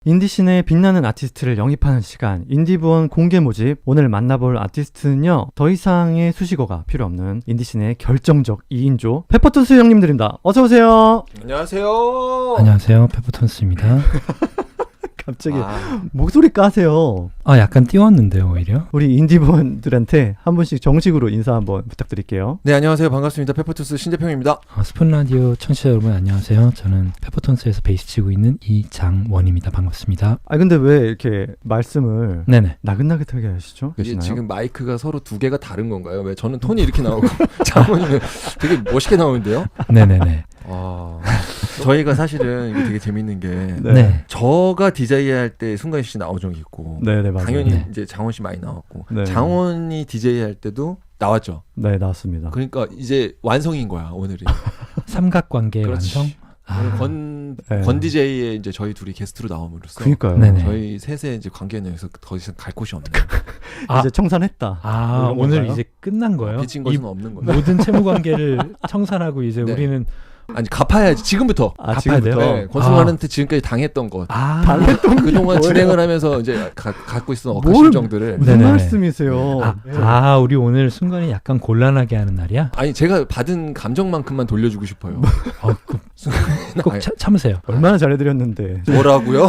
인디씬의 빛나는 아티스트를 영입하는 시간, 인디부원 공개 모집. 오늘 만나볼 아티스트는요, 더 이상의 수식어가 필요 없는 인디씬의 결정적 2인조 페퍼톤스 형님들입니다. 어서오세요. 안녕하세요. 안녕하세요. 페퍼톤스입니다. 갑자기 목소리 까세요. 약간 띄웠는데요, 오히려. 우리 인디부원들한테 한 분씩 정식으로 인사 한번 부탁드릴게요. 네, 안녕하세요. 반갑습니다. 페퍼톤스 신재평입니다. 스푼라디오 청취자 여러분 안녕하세요. 저는 페퍼톤스에서 베이스 치고 있는 이장원입니다. 반갑습니다. 근데 왜 이렇게 말씀을 네네. 나긋나긋하게 하시죠? 이게 지금 마이크가 서로 두 개가 다른 건가요? 왜 저는 톤이 이렇게 나오고 장원이는 되게 멋있게 나오는데요? 네네네. 저희가 사실은 이게 되게 재밌는 게 네. 저가 DJ 할 때 승관 씨 나온 적이 있고 네네, 맞아요. 당연히 네. 이제 장원 씨 많이 나왔고 네. 장원이 DJ 할 때도 나왔죠. 네, 나왔습니다. 그러니까 이제 완성인 거야 오늘이. 삼각관계의 그렇지. 완성. 오늘 권 DJ의 이제 저희 둘이 게스트로 나옴으로써 그러니까요. 네네. 저희 셋의 이제 관계는 여기서 더 이상 갈 곳이 없네요. 이제 청산했다. 이런 오늘 건가요? 이제 끝난 거예요? 빚진 것은 없는 거예요. 모든 채무 관계를 청산하고 이제 네. 우리는 아니 갚아야지 지금부터. 갚아야 돼요? 네, 권순환한테 지금까지 당했던 것. 그동안 진행을 하면서 이제 갖고 있었던 억하 심정들을. 무슨 네네. 말씀이세요? 우리 오늘 순간이 약간 곤란하게 하는 날이야? 아니 제가 받은 감정만큼만 돌려주고 싶어요. 꼭 참으세요. 얼마나 잘해드렸는데. 뭐라고요?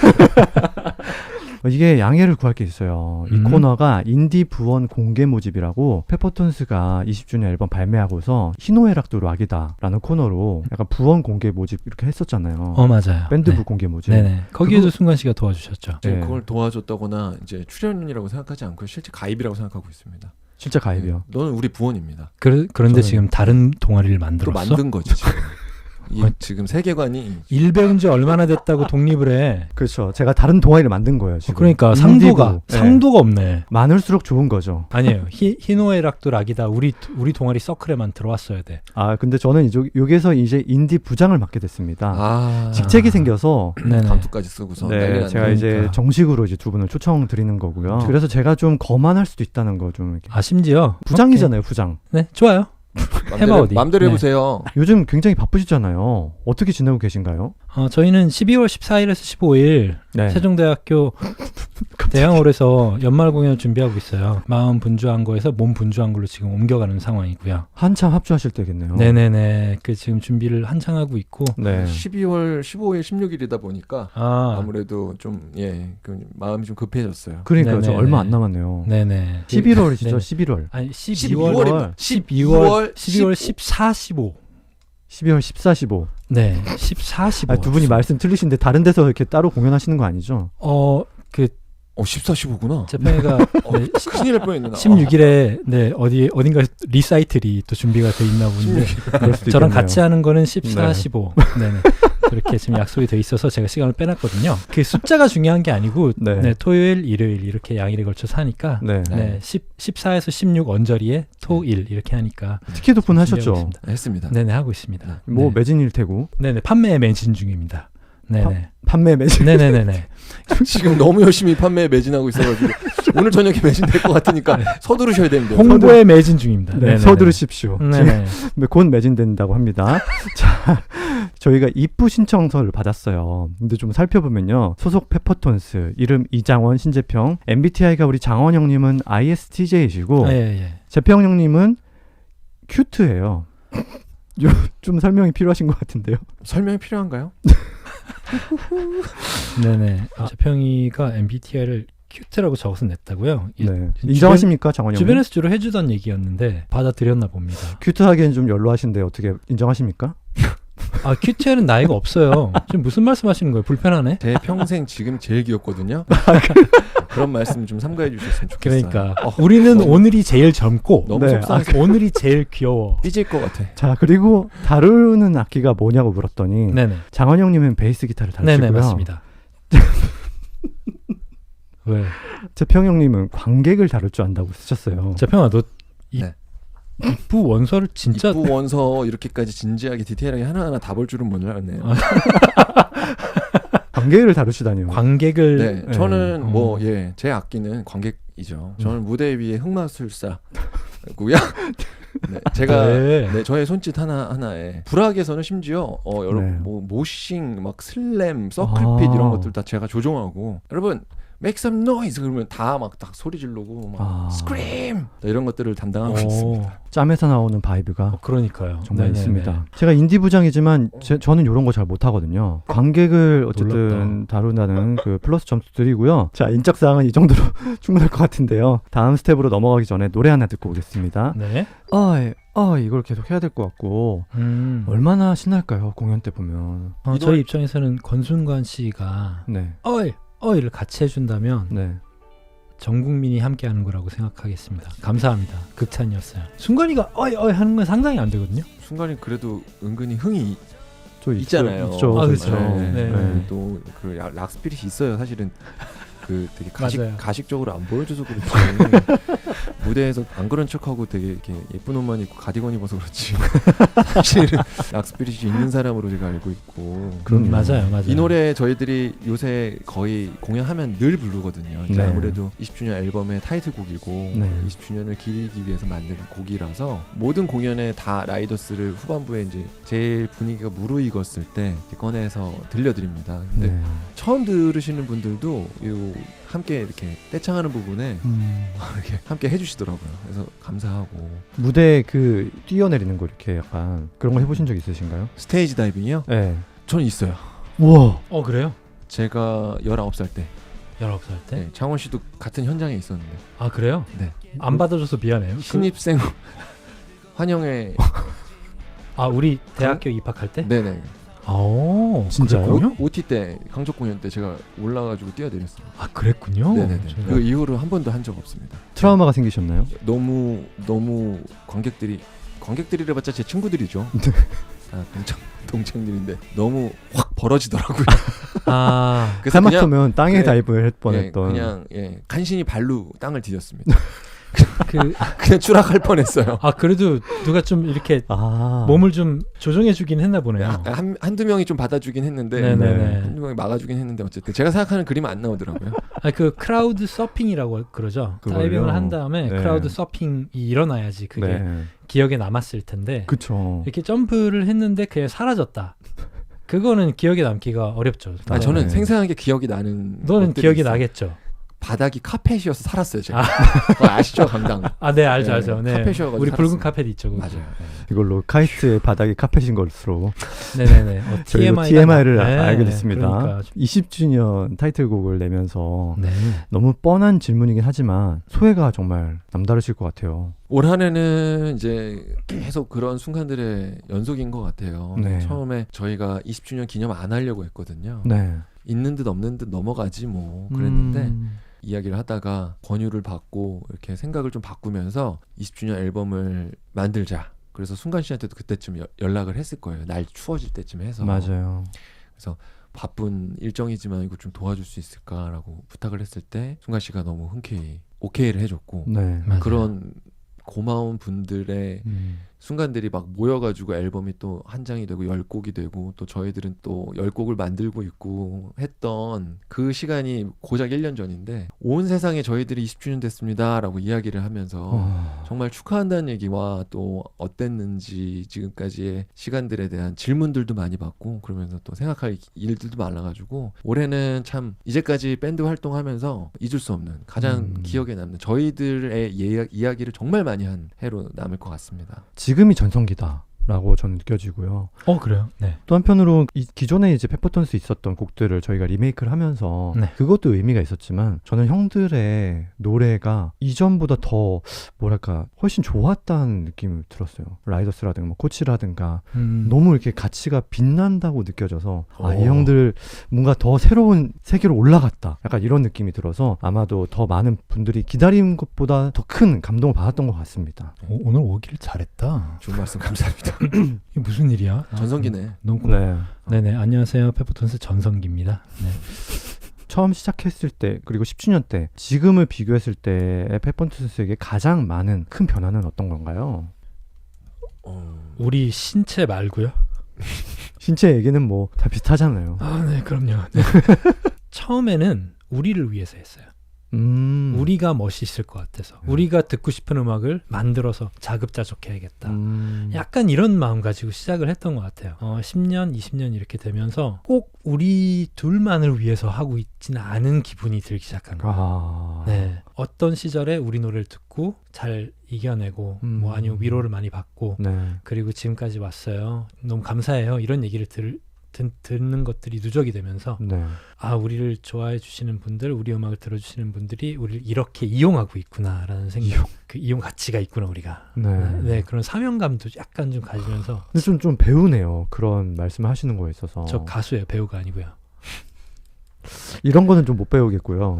이게 양해를 구할 게 있어요. 이 코너가 인디 부원 공개 모집이라고 페퍼톤스가 20주년 앨범 발매하고서 희노애락도 락이다 라는 코너로 약간 부원 공개 모집 이렇게 했었잖아요. 맞아요. 밴드부 네. 공개 모집. 네네. 거기에도 순간 씨가 도와주셨죠. 지금 네. 그걸 도와줬다거나 이제 출연이라고 생각하지 않고 실제 가입이라고 생각하고 있습니다. 진짜 가입이요. 네, 너는 우리 부원입니다. 그런데 저는 지금 다른 동아리를 또 만들었어? 만든 거지 지금. 지금 세계관이 일 배운 지 얼마나 됐다고 독립을 해. 그렇죠. 제가 다른 동아리를 만든 거예요. 지금. 그러니까 인디부. 상도가 없네. 많을수록 좋은 거죠. 아니에요. 희노애락도 락이다. 우리 동아리 서클에만 들어왔어야 돼. 근데 저는 여기서 이제 인디 부장을 맡게 됐습니다. 직책이 생겨서 네네. 감투까지 쓰고서 난리 네, 났네. 제가 이제 그러니까. 정식으로 이제 두 분을 초청드리는 거고요. 그래서 제가 좀 거만할 수도 있다는 거 좀 이렇게. 심지어 부장이잖아요, 부장. 네, 좋아요. 해봐 어디. 맘대로 네. 해보세요. 요즘 굉장히 바쁘시잖아요. 어떻게 지내고 계신가요? 저희는 12월 14일에서 15일 네. 세종대학교 대학홀에서 연말 공연을 준비하고 있어요. 마음 분주한 거에서 몸 분주한 걸로 지금 옮겨가는 상황이고요. 한참 합주하실 때겠네요. 네네네. 지금 준비를 한창 하고 있고. 네. 12월 15일, 16일이다 보니까 아무래도 좀 마음이 좀 급해졌어요. 그러니까요. 저 네네네. 얼마 안 남았네요. 네네. 11월이시죠, 네. 11월. 아니 12월 12월 14, 15. 12월 14, 15. 네, 14, 15. 두 분이 말씀 틀리신데 다른 데서 이렇게 따로 공연하시는 거 아니죠? 14, 15구나. 재평이가 큰일 날 뻔했네. 16일에 어딘가 리사이틀이 또 준비가 돼 있나 본데 그럴 수도 저랑 있겠네요. 같이 하는 거는 14, 네. 15. 네네. 그렇게 지금 약속이 돼 있어서 제가 시간을 빼놨거든요. 그 숫자가 중요한 게 아니고 네. 토요일, 일요일 이렇게 양일에 걸쳐서 하니까 네. 14에서 16 언저리에 토일 이렇게 하니까 티켓 오픈하셨죠? 했습니다. 네네 하고 있습니다. 뭐 네. 매진일 테고. 네네 판매에 매진 중입니다. 네네. 판매 매진. 네네네네. 지금 너무 열심히 판매에 매진하고 있어가지고 오늘 저녁에 매진될 것 같으니까 서두르셔야 됩니다. 홍보에 매진 중입니다. 네, 네네네. 서두르십시오. 네네. 곧 매진된다고 합니다. 자, 저희가 입부 신청서를 받았어요. 근데 좀 살펴보면요. 소속 페퍼톤스, 이름 이장원, 신재평, MBTI가 우리 장원 형님은 ISTJ이시고 예. 재평 형님은 큐트예요. 좀 설명이 필요하신 것 같은데요. 설명이 필요한가요? 네네. 재평이가 MBTI를 큐트라고 적어서 냈다고요? 네. 인정하십니까, 장원 형님? 주변에서 주로 해주던 얘기였는데 받아들였나 봅니다. 큐트하기엔 좀 연로하신데 어떻게 인정하십니까? 큐트에는 나이가 없어요. 지금 무슨 말씀하시는 거예요? 불편하네? 제 평생 지금 제일 귀엽거든요. 그런 말씀 좀 삼가해 주셨으면 좋겠어요. 그러니까 우리는 오늘이 제일 젊고 너무 네. 속상해. 오늘이 제일 귀여워. 삐질 것 같아. 자, 그리고 다루는 악기가 뭐냐고 물었더니 네네. 장원 형님은 베이스 기타를 다루시고요. 네네 맞습니다. 왜? 재평 형님은 관객을 다룰 줄 안다고 쓰셨어요. 재평아 너 네. 입부 원서를 진짜 입부 원서 이렇게까지 진지하게 디테일하게 하나하나 다 볼 줄은 몰랐네요. 관객을 다루시다니요. 관객을 네, 저는 제 악기는 관객이죠. 저는 무대 위에 흑마술사고요. 네, 제가 네. 저의 손짓 하나에 불악에서는 심지어 여러분 네. 뭐 모싱, 막 슬램, 서클핏 이런 것들 다 제가 조종하고 여러분 make some noise 그러면 다 막 딱 소리 지르고 막 scream 이런 것들을 담당하고 있습니다. 짬에서 나오는 바이브가 그러니까요. 정말 네네네. 있습니다. 제가 인디 부장이지만 저는 이런 거 잘 못하거든요. 관객을 어쨌든 놀랍다. 다룬다는 그 플러스 점수 드리고요. 자, 인적 사항은 이 정도로 충분할 것 같은데요. 다음 스텝으로 넘어가기 전에 노래 하나 듣고 오겠습니다. 네. 이걸 계속 해야 될 것 같고 얼마나 얼마나 신날까요? 공연 때 보면. 저희 입장에서는 권순관 씨가 네, 어이를 같이 해준다면 네. 전 국민이 함께하는 거라고 생각하겠습니다. 감사합니다. 극찬이었어요. 순간이가 어이 하는 건 상상이 안 되거든요. 순간이 그래도 은근히 흥이 저 있잖아요. 있죠. 아, 그렇죠. 네. 네. 또그 락스피릿이 있어요. 사실은 그 되게 맞아요. 가식적으로 안 보여줘서 그렇지 무대에서 안 그런 척하고 되게 이렇게 예쁜 옷만 입고 가디건 입어서 그렇지 사실은 락스피릿이 있는 사람으로 제가 알고 있고 맞아요. 이 노래 저희들이 요새 거의 공연하면 늘 부르거든요. 이제 네. 아무래도 20주년 앨범의 타이틀곡이고 네. 20주년을 기리기 위해서 만든 곡이라서 모든 공연에 다 라이더스를 후반부에 이제 제일 분위기가 무르익었을 때 이렇게 꺼내서 들려드립니다. 근데 네. 처음 들으시는 분들도 요 함께 이렇게 떼창하는 부분에 이렇게 함께 해주시더라고요. 그래서 감사하고 무대 그 뛰어내리는 거 이렇게 약간 그런 거 해보신 적 있으신가요? 스테이지 다이빙이요? 네. 저는 있어요. 우와. 그래요? 제가 19살 때 19살 때? 네, 창원 씨도 같은 현장에 있었는데 아 그래요? 네. 안 받아줘서 미안해요. 신입생 환영회 우리 대학교 입학할 때? 네네 진짜요? OT 때 강적 공연 때 제가 올라가지고 뛰어내렸어요. 그랬군요. 네네네. 제가- 그 이후로 한 번도 한 적 없습니다. 트라우마가 생기셨나요? 너무 관객들이래봤자 제 친구들이죠. 다 동창들인데 너무 확 벌어지더라고요. 그래서 하마터면 땅에 네, 다이브를 할 뻔했던. 그냥 간신히 발로 땅을 디뎠습니다. 그 그냥 추락할 뻔했어요. 그래도 누가 좀 이렇게 아. 몸을 좀 조정해주긴 했나 보네요. 한두 명이 좀 받아주긴 했는데 네네네. 한두 명이 막아주긴 했는데 어쨌든 제가 생각하는 그림은 안 나오더라고요. 그 크라우드 서핑이라고 그러죠. 그걸요? 다이빙을 한 다음에 네. 크라우드 서핑이 일어나야지 그게 네. 기억에 남았을 텐데 그쵸. 이렇게 점프를 했는데 그게 사라졌다. 그거는 기억에 남기가 어렵죠. 저는 네. 생생하게 기억이 나는 너는 것들이 기억이 있어요. 나겠죠. 바닥이 카펫이어서 살았어요. 제가 그거 아시죠? 강당. 네 알죠 네, 알죠. 네. 카펫이어가지고 우리 붉은 살았습니다. 카펫 있죠. 거기. 맞아요. 네. 이걸로 카이스트의 바닥이 카펫인 것으로 네네네. 저희도 TMI를 네, 알게 됐습니다. 그러니까. 20주년 타이틀곡을 내면서 네. 너무 뻔한 질문이긴 하지만 소회가 정말 남다르실 것 같아요. 올 한해는 이제 계속 그런 순간들의 연속인 것 같아요. 네. 처음에 저희가 20주년 기념 안 하려고 했거든요. 네. 있는 듯 없는 듯 넘어가지 뭐 그랬는데 음. 이야기를 하다가 권유를 받고 이렇게 생각을 좀 바꾸면서 20주년 앨범을 만들자. 그래서 순간 씨한테도 그때쯤 연락을 했을 거예요. 날 추워질 때쯤 해서. 맞아요. 그래서 바쁜 일정이지만 이거 좀 도와줄 수 있을까라고 부탁을 했을 때 순간 씨가 너무 흔쾌히 오케이를 해줬고 네. 맞아요. 그런 고마운 분들의 순간들이 막 모여가지고 앨범이 또 한 장이 되고 10곡이 되고 또 저희들은 또 10곡을 만들고 있고 했던 그 시간이 고작 1년 전인데 온 세상에 저희들이 20주년 됐습니다 라고 이야기를 하면서 정말 축하한다는 얘기와 또 어땠는지 지금까지의 시간들에 대한 질문들도 많이 받고 그러면서 또 생각할 일들도 많아가지고 올해는 참 이제까지 밴드 활동하면서 잊을 수 없는 가장 기억에 남는 저희들의 이야기를 정말 많이 한 해로 남을 것 같습니다. 지금이 전성기다. 라고 저는 느껴지고요. 그래요? 네. 또 한편으로 기존에 이제 페퍼톤스 있었던 곡들을 저희가 리메이크를 하면서 네. 그것도 의미가 있었지만 저는 형들의 노래가 이전보다 더 뭐랄까 훨씬 좋았다는 느낌을 들었어요. 라이더스라든가 뭐 코치라든가 너무 이렇게 가치가 빛난다고 느껴져서 이 형들 뭔가 더 새로운 세계로 올라갔다. 약간 이런 느낌이 들어서 아마도 더 많은 분들이 기다린 것보다 더 큰 감동을 받았던 것 같습니다. 오늘 오길 잘했다. 좋은 말씀 감사합니다. 이게 무슨 일이야? 전성기네. 너무 네. 네네 안녕하세요 페퍼톤스 전성기입니다. 네. 처음 시작했을 때 그리고 10주년 때 지금을 비교했을 때의 페퍼톤스에게 가장 많은 큰 변화는 어떤 건가요? 우리 신체 말고요. 신체 얘기는 뭐 다 비슷하잖아요. 네 그럼요. 네. 처음에는 우리를 위해서 했어요. 우리가 멋있을 것 같아서 우리가 듣고 싶은 음악을 만들어서 자급자족해야겠다. 약간 이런 마음 가지고 시작을 했던 것 같아요. 10년, 20년 이렇게 되면서 꼭 우리 둘만을 위해서 하고 있지는 않은 기분이 들기 시작한 거예요. 네. 어떤 시절에 우리 노래를 듣고 잘 이겨내고 뭐 아니면 위로를 많이 받고 네. 그리고 지금까지 왔어요. 너무 감사해요. 이런 얘기를 듣는 것들이 누적이 되면서 네. 아, 우리를 좋아해 주시는 분들, 우리 음악을 들어주시는 분들이 우리를 이렇게 이용하고 있구나라는 생각, 그 이용 가치가 있구나 우리가. 네. 그런 사명감도 약간 좀 가지면서. 근데 좀 배우네요. 그런 말씀을 하시는 거에 있어서. 저 가수예요, 배우가 아니고요. 이런 거는 좀 못 배우겠고요.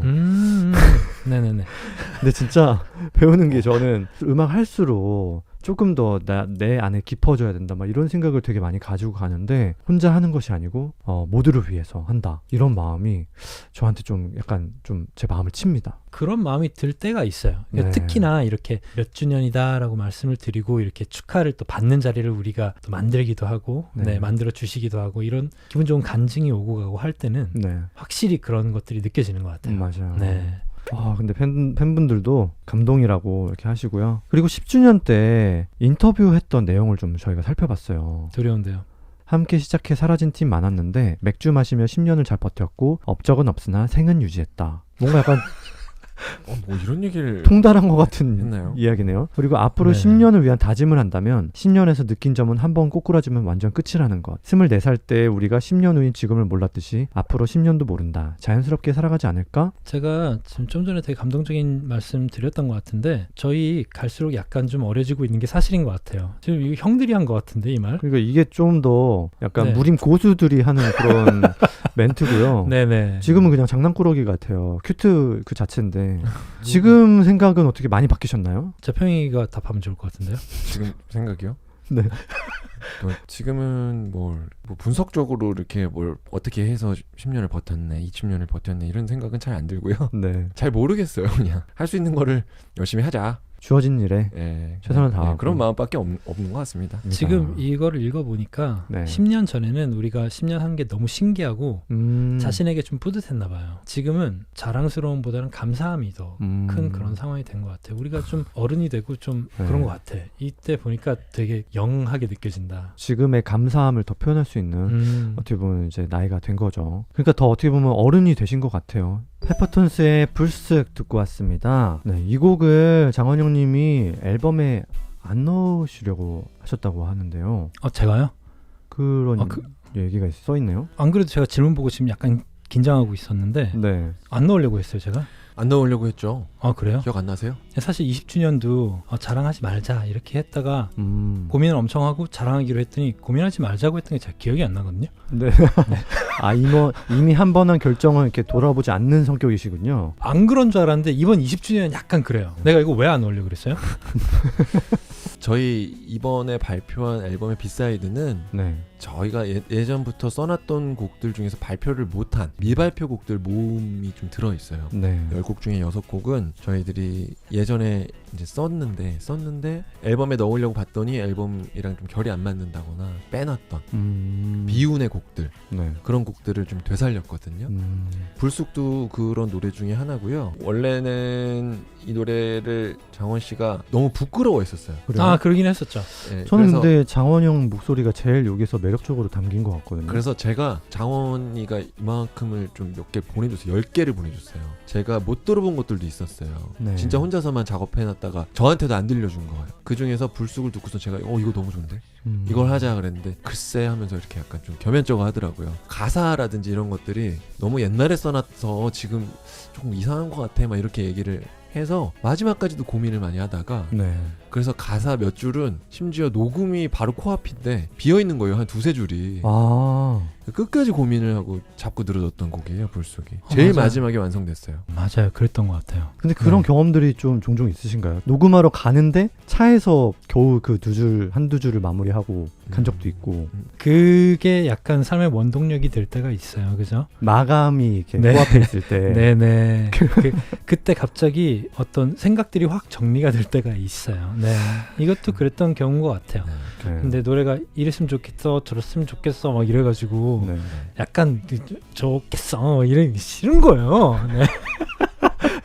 네네네. 근데 진짜 배우는 게 저는 음악 할수록 조금 더 내 안에 깊어져야 된다 막 이런 생각을 되게 많이 가지고 가는데 혼자 하는 것이 아니고 모두를 위해서 한다 이런 마음이 저한테 좀 약간 좀 제 마음을 칩니다. 그런 마음이 들 때가 있어요. 그러니까 네. 특히나 이렇게 몇 주년이다라고 말씀을 드리고 이렇게 축하를 또 받는 자리를 우리가 또 만들기도 하고 네. 만들어 주시기도 하고 이런 기분 좋은 간증이 오고 가고 할 때는 네. 확실히 그런 것들이 느껴지는 것 같아요. 맞아요. 네. 근데 팬분들도 감동이라고 이렇게 하시고요. 그리고 10주년 때 인터뷰했던 내용을 좀 저희가 살펴봤어요. 두려운데요. 함께 시작해 사라진 팀 많았는데 맥주 마시며 10년을 잘 버텼고 업적은 없으나 생은 유지했다. 뭔가 약간 뭐 이런 얘기를 통달한 것 같은 했나요? 이야기네요. 그리고 앞으로 네. 10년을 위한 다짐을 한다면 10년에서 느낀 점은 한번 꼬꾸라지면 완전 끝이라는 것. 24살 때 우리가 10년 후인 지금을 몰랐듯이 앞으로 10년도 모른다. 자연스럽게 살아가지 않을까? 제가 지금 좀 전에 되게 감동적인 말씀 드렸던 것 같은데 저희 갈수록 약간 좀 어려지고 있는 게 사실인 것 같아요. 지금 이거 형들이 한 것 같은데 이 말? 그러니까 이게 좀 더 약간 네. 무림 고수들이 하는 그런 멘트고요. 네네. 지금은 그냥 장난꾸러기 같아요. 큐트 그 자체인데 지금 생각은 어떻게 많이 바뀌셨나요? 재평이가 답하면 좋을 것 같은데요. 지금 생각이요? 네. 지금은 뭐 분석적으로 이렇게 뭘 어떻게 해서 10년을 버텼네, 20년을 버텼네 이런 생각은 잘 안 들고요. 네. 잘 모르겠어요. 그냥 할 수 있는 거를 열심히 하자. 주어진 일에 최선을 다하고. 그런 마음밖에 없는 것 같습니다. 지금 이거를 읽어보니까 네. 10년 전에는 우리가 10년 한 게 너무 신기하고 자신에게 좀 뿌듯했나 봐요. 지금은 자랑스러움보다는 감사함이 더 큰 그런 상황이 된 것 같아요. 우리가 좀 어른이 되고 좀 네. 그런 것 같아. 이때 보니까 되게 영하게 느껴진다. 지금의 감사함을 더 표현할 수 있는 어떻게 보면 이제 나이가 된 거죠. 그러니까 더 어떻게 보면 어른이 되신 것 같아요. 페퍼톤스의 불쓱 듣고 왔습니다. 네, 이 곡을 장원영 님이 앨범에 안 넣으시려고 하셨다고 하는데요. 제가요? 그런 얘기가 써 있네요. 안 그래도 제가 질문 보고 지금 약간 긴장하고 있었는데 네. 안 넣으려고 했어요, 제가. 안 넣으려고 했죠. 그래요? 기억 안 나세요? 사실 20주년도 자랑하지 말자 이렇게 했다가 고민을 엄청 하고 자랑하기로 했더니 고민하지 말자고 했던 게 잘 기억이 안 나거든요. 네. 이미 한 번 한 결정은 이렇게 돌아보지 않는 성격이시군요. 안 그런 줄 알았는데 이번 20주년은 약간 그래요. 내가 이거 왜 안 넣으려고 그랬어요? 저희 이번에 발표한 앨범의 비사이드는 네. 저희가 예전부터 써놨던 곡들 중에서 발표를 못한 미발표 곡들 모음이 좀 들어있어요. 네. 10곡 중에 6곡은 저희들이 예전에 이제 썼는데 앨범에 넣으려고 봤더니 앨범이랑 좀 결이 안 맞는다거나 빼놨던 비운의 곡들, 네. 그런 곡들을 좀 되살렸거든요. 불쑥도 그런 노래 중에 하나고요. 원래는 이 노래를 장원 씨가 너무 부끄러워했었어요. 그래요? 그러긴 했었죠. 네, 저는 그래서 근데 장원영 목소리가 제일 여기서 매력적으로 담긴 것 같거든요. 그래서 제가 장원이가 이만큼을 좀 몇 개 보내줬어요. 10개를 보내줬어요. 제가 못 들어본 것들도 있었어요. 네. 진짜 혼자서만 작업해놨다가 저한테도 안 들려준 거예요. 그 중에서 불쑥을 듣고서 제가 이거 너무 좋은데? 이걸 하자 그랬는데 글쎄 하면서 이렇게 약간 좀 겸연쩍어 하더라고요. 가사라든지 이런 것들이 너무 옛날에 써놔서 지금 조금 이상한 것 같아 막 이렇게 얘기를 해서 마지막까지도 고민을 많이 하다가 네. 그래서 가사 몇 줄은 심지어 녹음이 바로 코앞인데 비어있는 거예요. 한 두세 줄이. 끝까지 고민을 하고 잡고 늘어졌던 곡이에요. 불쑥이. 제일 맞아요. 마지막에 완성됐어요. 맞아요. 그랬던 것 같아요. 근데 그런 경험들이 좀 종종 있으신가요? 녹음하러 가는데 차에서 겨우 그 한두 줄을 마무리하고 간 적도 있고. 그게 약간 삶의 원동력이 될 때가 있어요. 그죠? 마감이 이렇게 네. 코앞에 있을 때. 네네. 그때 갑자기 어떤 생각들이 확 정리가 될 때가 있어요. 네. 이것도 그랬던 경우인 것 같아요. 네. 근데 노래가 이랬으면 좋겠어, 저랬으면 좋겠어 막 이래가지고 네. 약간 좋겠어 이러기 싫은 거예요. 네.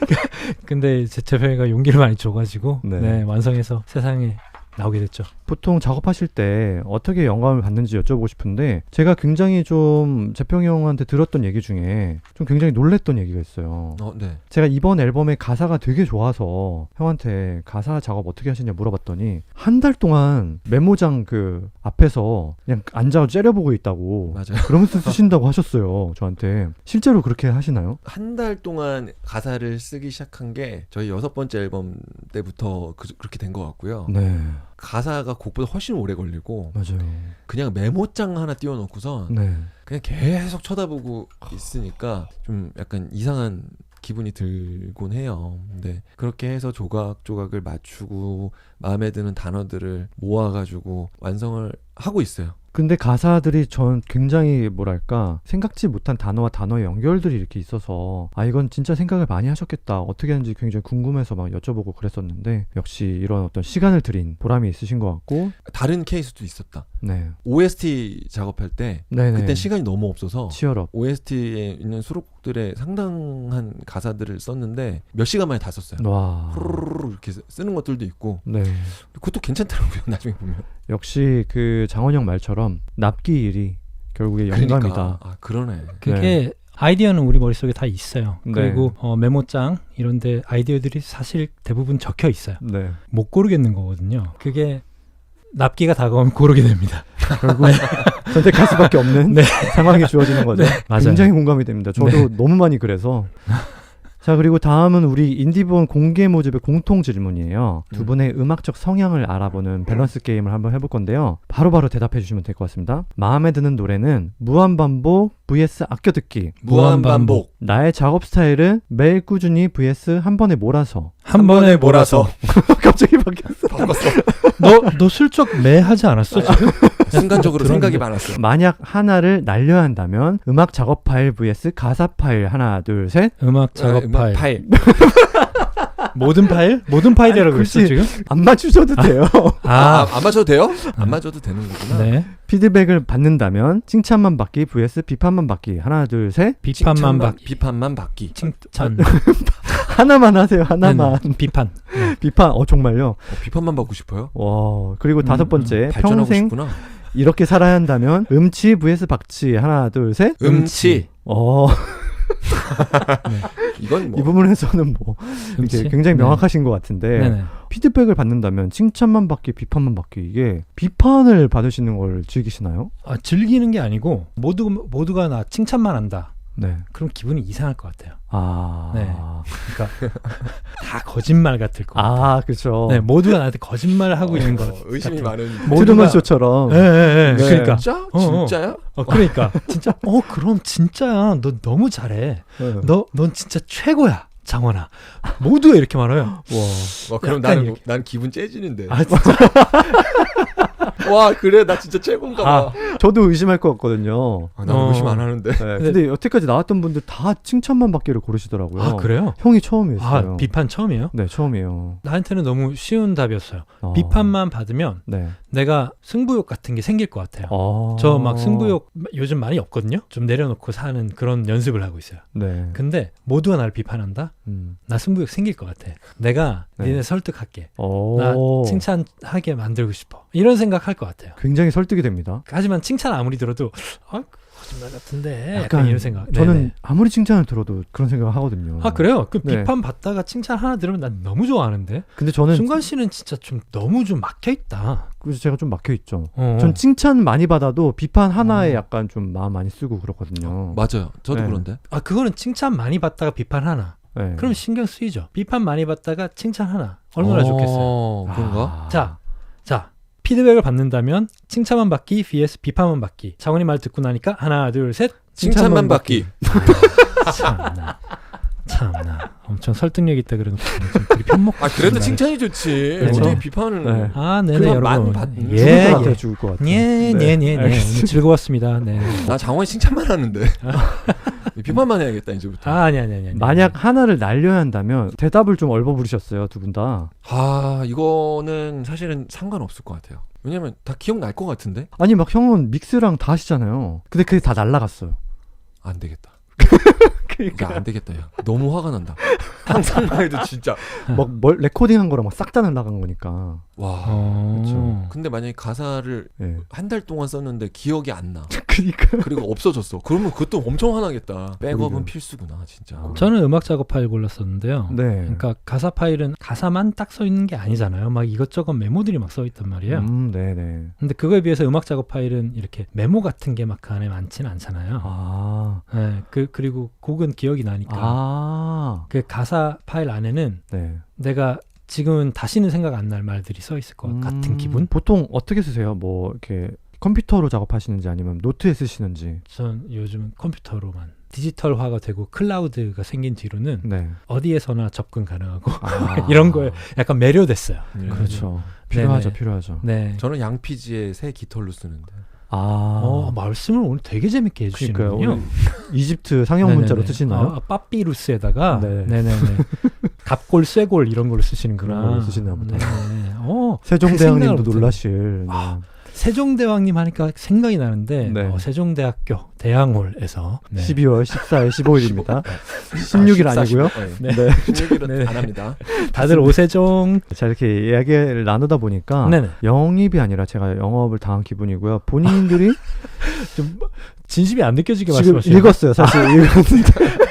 근데 재평이가 용기를 많이 줘가지고 네. 네, 완성해서 세상에 나오게 됐죠. 보통 작업하실 때 어떻게 영감을 받는지 여쭤보고 싶은데 제가 굉장히 좀 재평이 형한테 들었던 얘기 중에 좀 굉장히 놀랬던 얘기가 있어요. 네. 제가 이번 앨범의 가사가 되게 좋아서 형한테 가사 작업 어떻게 하시냐 물어봤더니 한 달 동안 메모장 그 앞에서 그냥 앉아서 째려보고 있다고 맞아요. 그러면서 쓰신다고 하셨어요. 저한테. 실제로 그렇게 하시나요? 한 달 동안 가사를 쓰기 시작한 게 저희 6번째 앨범 때부터 그렇게 된 것 같고요. 네, 가사가 곡보다 훨씬 오래 걸리고 맞아요. 그냥 메모장 하나 띄워놓고선 네. 그냥 계속 쳐다보고 있으니까 좀 약간 이상한 기분이 들곤 해요. 근데 그렇게 해서 조각조각을 맞추고 마음에 드는 단어들을 모아가지고 완성을 하고 있어요. 근데 가사들이 전 굉장히 뭐랄까 생각지 못한 단어와 단어의 연결들이 이렇게 있어서 아 이건 진짜 생각을 많이 하셨겠다 어떻게 하는지 굉장히 궁금해서 막 여쭤보고 그랬었는데 역시 이런 어떤 시간을 들인 보람이 있으신 것 같고 다른 케이스도 있었다. 네, OST 작업할 때 네네. 그때 시간이 너무 없어서 치열업. OST에 있는 수록곡들의 상당한 가사들을 썼는데 몇 시간 만에 다 썼어요. 와, 후루루루 이렇게 쓰는 것들도 있고 네. 그것도 괜찮더라고요. 나중에 보면. 역시 그 장원영 말처럼 납기 일이 결국에 영감이다. 그러니까, 아 그러네. 그게 아이디어는 우리 머릿속에 다 있어요. 네. 그리고 메모장 이런데 아이디어들이 사실 대부분 적혀 있어요. 네. 못 고르겠는 거거든요. 그게 납기가 다가오면 고르게 됩니다. 결국 선택할 수밖에 없는 네. 상황이 주어지는 거죠. 네, 맞아요. 굉장히 공감이 됩니다. 저도 네. 너무 많이 그래서. 자, 그리고 다음은 우리 인디본 공개 모집의 공통 질문이에요. 두 분의 음악적 성향을 알아보는 밸런스 게임을 한번 해볼 건데요. 바로바로 대답해 주시면 될 것 같습니다. 마음에 드는 노래는 무한반복 vs 아껴듣기. 무한반복. 나의 작업 스타일은 매일 꾸준히 vs 한 번에 몰아서. 한 번에 몰아서. 갑자기 바뀌었어. 바꿨어. 너 슬쩍 매 하지 않았어 지금? 순간적으로 들었는데. 생각이 많았어. 만약 하나를 날려야 한다면 음악 작업 파일 vs 가사 파일 하나 둘 셋. 음악 작업 음악 파일. 모든 파일? 모든 파일이라고 아니, 그랬어 굳이 지금? 안 맞추셔도 돼요. 안 맞춰도 돼요? 안 맞춰도 되는 거구나. 네. 피드백을 받는다면 칭찬만 받기 vs 비판만 받기 하나 둘 셋. 비판만 받기. 비판만 받기. 칭찬. 하나만 하세요. 하나만. 네네. 비판. 비판. 정말요. 비판만 받고 싶어요? 와. 그리고 다섯 번째 발전하고 평생 싶구나. 이렇게 살아야 한다면 음치 vs 박치 하나 둘 셋. 음치. 네. 이건 뭐 이 부분에서는 뭐 이렇게 음치? 굉장히 네. 명확하신 것 같은데 네네. 피드백을 받는다면 칭찬만 받기 비판만 받기 이게 비판을 받으시는 걸 즐기시나요? 즐기는 게 아니고 모두가 나 칭찬만 한다. 네. 그럼 기분이 이상할 것 같아요. 아. 네. 그러니까 다 거짓말 같을 것 같아요. 아, 그렇죠. 네, 모두가 나한테 거짓말을 하고 있는 것 의심이 같아요. 많은. 트루먼 쇼처럼. 네. 네. 그러니까. 진짜? 진짜야? 그러니까 진짜. 그럼 진짜야. 너 너무 잘해. 네. 넌 진짜 최고야, 장원아. 모두가 이렇게 말해요. 와, 그럼 약간 난 기분 째지는데. 아 진짜. 와, 그래 나 진짜 최고인가 봐. 저도 의심할 것 같거든요. 나는 의심 안 하는데. 네, 근데 여태까지 나왔던 분들 다 칭찬만 받기를 고르시더라고요. 아 그래요? 형이 처음이었어요. 비판 처음이에요? 네, 처음이에요. 나한테는 너무 쉬운 답이었어요. 비판만 받으면 네. 내가 승부욕 같은 게 생길 것 같아요. 아. 저 막 승부욕 요즘 많이 없거든요. 좀 내려놓고 사는 그런 연습을 하고 있어요. 네. 근데 모두가 나를 비판한다? 나 승부욕 생길 것 같아. 내가 네. 니네 설득할게. 나 칭찬하게 만들고 싶어. 이런 생각할 것 같아요. 굉장히 설득이 됩니다. 하지만 칭찬 아무리 들어도 거짓말 같은데 약간 약간 이런 생각. 저는 네네. 아무리 칭찬을 들어도 그런 생각을 하거든요. 아 그래요? 그 네. 비판 받다가 칭찬 하나 들으면 난 너무 좋아하는데. 근데 저는 순간 씨는 진짜 좀 너무 좀 막혀 있다. 그래서 제가 좀 막혀 있죠. 어. 전 칭찬 많이 받아도 비판 하나에 약간 좀 마음 많이 쓰고 그렇거든요. 맞아요. 저도 네. 그런데. 그거는 칭찬 많이 받다가 비판 하나. 네. 그럼 신경 쓰이죠. 비판 많이 받다가 칭찬 하나. 얼마나 좋겠어요. 그런가? 자, 피드백을 받는다면 칭찬만 받기 vs 비판만 받기. 장원이 말 듣고 나니까 하나, 둘, 셋. 칭찬만 받기. 참나. 엄청 설득력 있다 그러는 좀 편먹. 그래도 칭찬이 좋지. 그렇죠. 어떻게 비판을. 네. 네네 그만 여러분. 받는 죽을 것 같아요. 죽을 것 같아요. 네. 오늘 즐거웠습니다. 네. 나 장원이 칭찬만 하는데. 비판만 해야겠다 이제부터. 아니. 만약 하나를 날려야 한다면 대답을 좀 얼버무리셨어요, 두 분 다. 이거는 사실은 상관없을 것 같아요. 왜냐면 다 기억날 것 같은데. 아니 막 형은 믹스랑 다 하시잖아요. 근데 그게 다 날라갔어요. 안 되겠다. 야, 안 되겠다. 야. 너무 화가 난다. 상상만 해도 진짜. 막 레코딩한 거랑 막 싹 다 날라간 거니까. 와. 그렇죠. 근데 만약에 가사를 예. 한 달 동안 썼는데 기억이 안 나. 그러니까. 그리고 없어졌어. 그러면 그것도 엄청 화나겠다. 백업은 그러게요. 필수구나, 진짜. 저는 음악 작업 파일 골랐었는데요. 네. 그러니까 가사 파일은 가사만 딱 써 있는 게 아니잖아요. 막 이것저것 메모들이 막 써 있단 말이에요. 네네. 근데 그거에 비해서 음악 작업 파일은 이렇게 메모 같은 게 막 그 안에 많지는 않잖아요. 아. 네, 그리고 곡은 기억이 나니까. 아. 그 가사 파일 안에는 네. 내가 지금은 다시는 생각 안 날 말들이 써 있을 것 같은 기분? 보통 어떻게 쓰세요? 뭐 이렇게 컴퓨터로 작업하시는지 아니면 노트에 쓰시는지. 전 요즘 컴퓨터로만 디지털화가 되고 클라우드가 생긴 뒤로는 네. 어디에서나 접근 가능하고 아. 이런 거에 약간 매료됐어요. 그렇죠. 필요하죠, 네네. 필요하죠. 네. 저는 양피지의 새 깃털로 쓰는데. 아. 말씀을 오늘 되게 재밌게 그러니까요. 해주시는군요. 오늘 이집트 상형 문자로 쓰시나요? 빠삐루스에다가 네. 네네네. 갑골, 쇠골 이런 걸로 쓰시는구나. 그런 걸로 쓰시나 보다. 네네. 세종대왕님도 그 생각을 놀라실. 네. 세종대왕님 하니까 생각이 나는데 네. 세종대학교 대항홀에서 12월 14일, 15일입니다. 16일 아니고요. 네. 네. 16일은 네. 안 합니다. 다들 오세종. 자, 이렇게 이야기를 나누다 보니까 네네. 영입이 아니라 제가 영업을 당한 기분이고요. 본인들이 좀 진심이 안 느껴지게 지금 말씀하시죠. 읽었어요. 사실 읽었는데.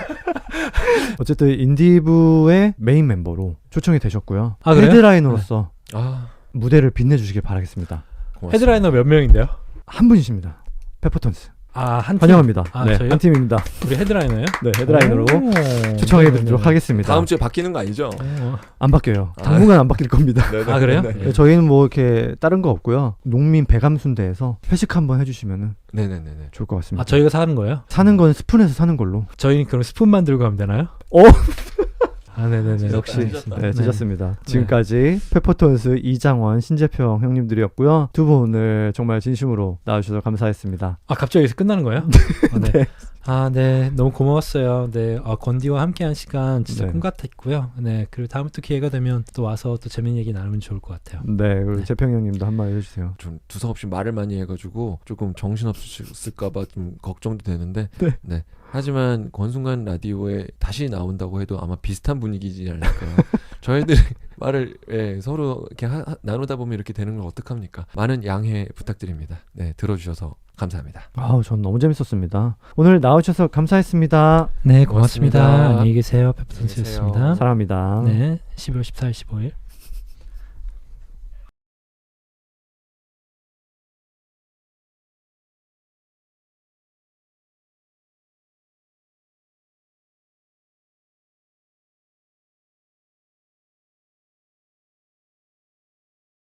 어쨌든 인디부의 메인 멤버로 초청이 되셨고요. 아, 그래요? 헤드라이너로서 아, 무대를 빛내주시길 바라겠습니다. 고맙습니다. 헤드라이너 몇 명인데요? 한 분이십니다. 페퍼톤스. 한 팀? 환영합니다. 아, 저희요? 한 팀입니다. 우리 헤드라이너요? 네, 헤드라이너로 오. 초청해드리도록 하겠습니다. 다음 주에 바뀌는 거 아니죠? 안 바뀌어요. 아. 당분간 안 바뀔 겁니다. 네네. 아, 그래요? 네. 저희는 뭐 이렇게 다른 거 없고요. 농민 배감순대에서 회식 한번 해주시면 네네네네. 좋을 것 같습니다. 저희가 사는 거예요? 사는 건 스푼에서 사는 걸로. 저희는 그럼 스푼만 들고 가면 되나요? 네네네. 역시 찢었다. 네, 찢었습니다. 지금까지 페퍼톤스 이장원, 신재평 형님들이었고요. 두 분 오늘 정말 진심으로 나와주셔서 감사했습니다. 갑자기 여기서 끝나는 거예요? 네. 너무 고마웠어요. 네. 건디와 함께한 시간 진짜 네. 꿈 같았고요. 네. 그리고 다음에 또 기회가 되면 또 와서 또 재밌는 얘기 나누면 좋을 것 같아요. 네, 그리고 네. 재평 형님도 한마디 해주세요. 좀 두서없이 말을 많이 해가지고 조금 정신없을까봐 좀 걱정도 되는데. 네. 하지만 권순간 라디오에 다시 나온다고 해도 아마 비슷한 분위기지 않을까요? 저희들 말을 서로 이렇게 나누다 보면 이렇게 되는 걸 어떡합니까? 많은 양해 부탁드립니다. 네, 들어주셔서 감사합니다. 전 너무 재밌었습니다. 오늘 나와주셔서 감사했습니다. 네, 고맙습니다. 고맙습니다. 안녕히 계세요. 페퍼톤스였습니다. 사랑합니다. 네. 12월 14일, 15일.